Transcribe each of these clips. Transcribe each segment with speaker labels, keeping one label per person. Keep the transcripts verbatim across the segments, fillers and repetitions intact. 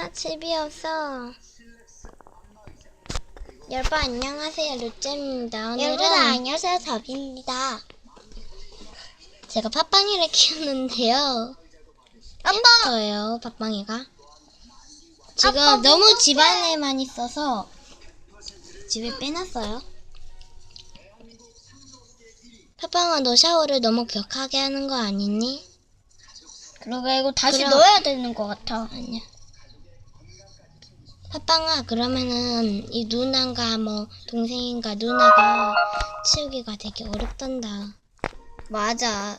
Speaker 1: 아, 집이 없어. 여러분 안녕하세요, 루잼입니다. 오늘은
Speaker 2: 여러분 안녕하세요, 더비입니다.
Speaker 1: 제가 팥빵이를 키우는데요. 햄스터예요, 팥빵이가. 지금
Speaker 2: 아빠,
Speaker 1: 너무
Speaker 2: 어떡해.
Speaker 1: 집안에만 있어서 집에 빼놨어요. 팥빵아, 너 샤워를 너무 격하게 하는 거 아니니?
Speaker 2: 그러게 이거 다시
Speaker 1: 그럼-
Speaker 2: 넣어야 되는 것 같아.
Speaker 1: 아니야. 팥빵아, 그러면은 이 누나가 뭐 동생인가 누나가 치우기가 되게 어렵단다.
Speaker 2: 맞아.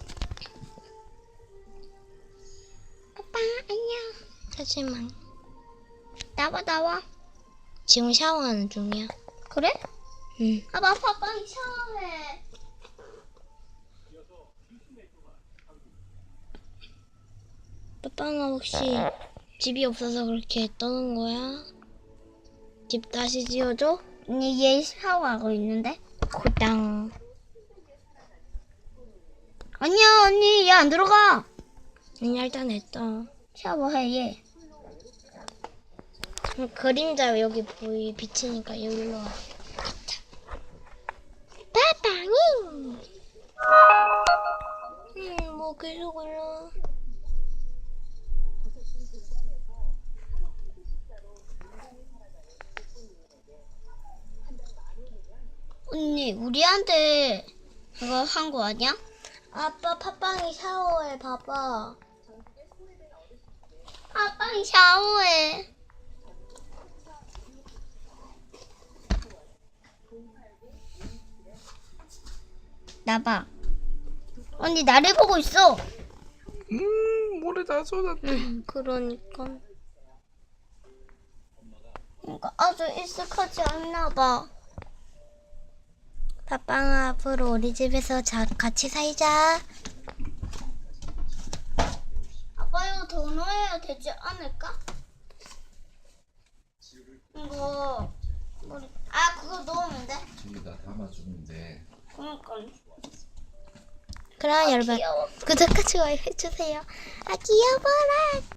Speaker 2: 아빠 안녕.
Speaker 1: 하지만
Speaker 2: 나와 나와.
Speaker 1: 지금 샤워하는 중이야.
Speaker 2: 그래?
Speaker 1: 응.
Speaker 2: 아빠 팥빵 샤워해.
Speaker 1: 팥빵아, 혹시 집이 없어서 그렇게 떠는 거야? 집 다시 지어줘?
Speaker 2: 언니 얘 샤워하고 있는데?
Speaker 1: 고당.
Speaker 2: 아니야 언니 얘 안 들어가.
Speaker 1: 그냥 일단 했다.
Speaker 2: 샤워해 얘.
Speaker 1: 음, 그림자 여기 보이 비치니까 여기로 와. 팥빵이! 음, 뭐 계속 올라.
Speaker 2: 언니 우리한테 그거 한 거 아니야?
Speaker 1: 아빠, 팥빵이 샤워해, 봐봐.
Speaker 2: 아빠 샤워해. 나봐. 언니 나를 보고 있어.
Speaker 3: 음, 모래 다 쏟았대.
Speaker 1: 응, 그러니까.
Speaker 2: 그러니까 아주 익숙하지 않나 봐.
Speaker 1: 팥빵아, 앞으로 우리 집에서 자, 같이 살자.
Speaker 2: 아빠 이거 더 넣어야 되지 않을까? 이거 머리 아 그거 넣으면 돼?
Speaker 3: 저기다 담아주면 돼.
Speaker 2: 그러니까
Speaker 1: 그럼 여러분
Speaker 2: 귀여워.
Speaker 1: 구독과 좋아요 해주세요. 아, 귀여워라.